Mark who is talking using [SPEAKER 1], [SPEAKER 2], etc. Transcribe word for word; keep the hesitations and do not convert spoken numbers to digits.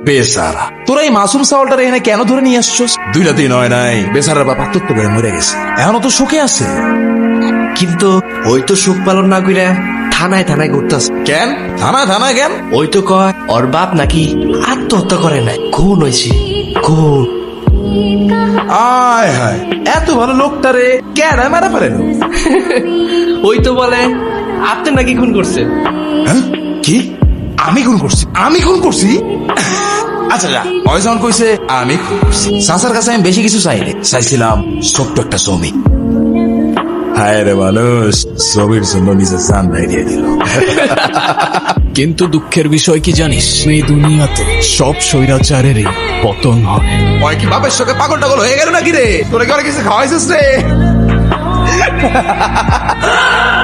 [SPEAKER 1] বেচারা তোরা এই মাসুম চাউলটা এখানে কেন ধরে নিয়ে আসছস? দুইটা দিন হয় নাই, বেচারার বাপ আত্মহত্যা করে মরে গেছে, এখনো তো শোকে আছে।
[SPEAKER 2] কিন্তু ওই তো সুখ পালন না কইরা থানায় থানায় ঘুরতাছে।
[SPEAKER 1] কেন থানায় থানায় কেন?
[SPEAKER 2] ওই তো কয় ওর বাপ নাকি আত্মহত্যা করে নাই, খুন হয়েছে, খুন।
[SPEAKER 1] আয় হায়, এত ভালো লোকটারে কেডা মারা পারেন?
[SPEAKER 2] ওই তো বলে আপনি নাকি খুন করছেন।
[SPEAKER 1] হ্যাঁ? কি আমি খুন করছি? আমি খুন করছি? আচ্ছা যা, ওই যখন কইছে আমি খুন করছি, চাচার কাছে আমি বেশি কিছু চাইনি, চাইছিলাম ছোট্ট একটা জমি। হায় রে মানুষ, জমির জন্য নিজের জান দিয়ে দিল।
[SPEAKER 3] কিন্তু দুঃখের বিষয় কি জানিস, এই দুনিয়াতে সব স্বৈরাচারেরই পতন হয়।
[SPEAKER 1] ওই কি বাপের সঙ্গে পাগল টাগল হয়ে গেল নাকি রে? তোরা কি অনেক কিছু খাওয়াইছিস রে?